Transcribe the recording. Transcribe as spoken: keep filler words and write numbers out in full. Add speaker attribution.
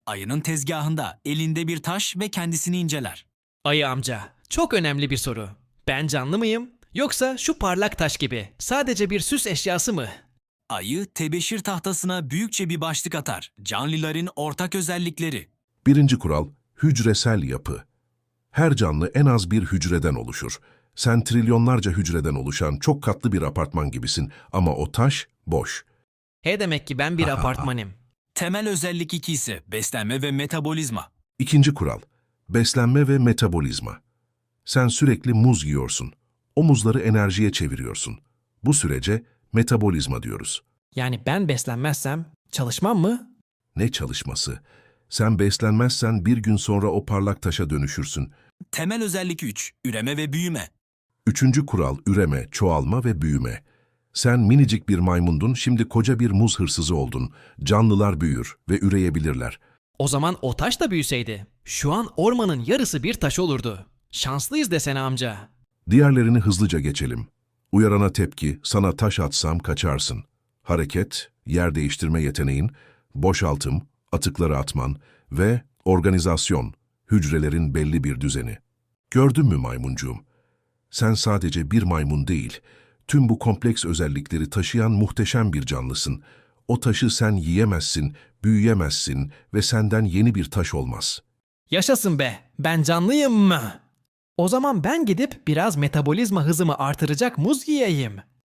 Speaker 1: Ayının tezgahında elinde bir taş ve kendisini inceler.
Speaker 2: Ayı amca, çok önemli bir soru. Ben canlı mıyım? Yoksa şu parlak taş gibi sadece bir süs eşyası mı?
Speaker 1: Ayı tebeşir tahtasına büyükçe bir başlık atar. Canlıların ortak özellikleri.
Speaker 3: Birinci kural, hücresel yapı. Her canlı en az bir hücreden oluşur. Sen trilyonlarca hücreden oluşan çok katlı bir apartman gibisin ama o taş boş.
Speaker 2: He demek ki ben bir apartmanım.
Speaker 1: Temel özellik iki ise beslenme ve metabolizma.
Speaker 3: İkinci kural, beslenme ve metabolizma. Sen sürekli muz yiyorsun. O muzları enerjiye çeviriyorsun. Bu sürece metabolizma diyoruz.
Speaker 2: Yani ben beslenmezsem çalışmam mı?
Speaker 3: Ne çalışması? Sen beslenmezsen bir gün sonra o parlak taşa dönüşürsün.
Speaker 1: Temel özellik üç. Üreme ve büyüme.
Speaker 3: Üçüncü kural, üreme, çoğalma ve büyüme. Sen minicik bir maymundun, şimdi koca bir muz hırsızı oldun. Canlılar büyür ve üreyebilirler.
Speaker 2: O zaman o taş da büyüseydi. Şu an ormanın yarısı bir taş olurdu. Şanslıyız desene amca.
Speaker 3: Diğerlerini hızlıca geçelim. Uyarana tepki, sana taş atsam kaçarsın. Hareket, yer değiştirme yeteneğin, boşaltım, atıkları atman ve organizasyon, hücrelerin belli bir düzeni. Gördün mü maymuncuğum? Sen sadece bir maymun değil, tüm bu kompleks özellikleri taşıyan muhteşem bir canlısın. O taşı sen yiyemezsin, büyüyemezsin ve senden yeni bir taş olmaz.
Speaker 2: Yaşasın be, ben canlıyım mı? O zaman ben gidip biraz metabolizma hızımı artıracak muz yiyeyim.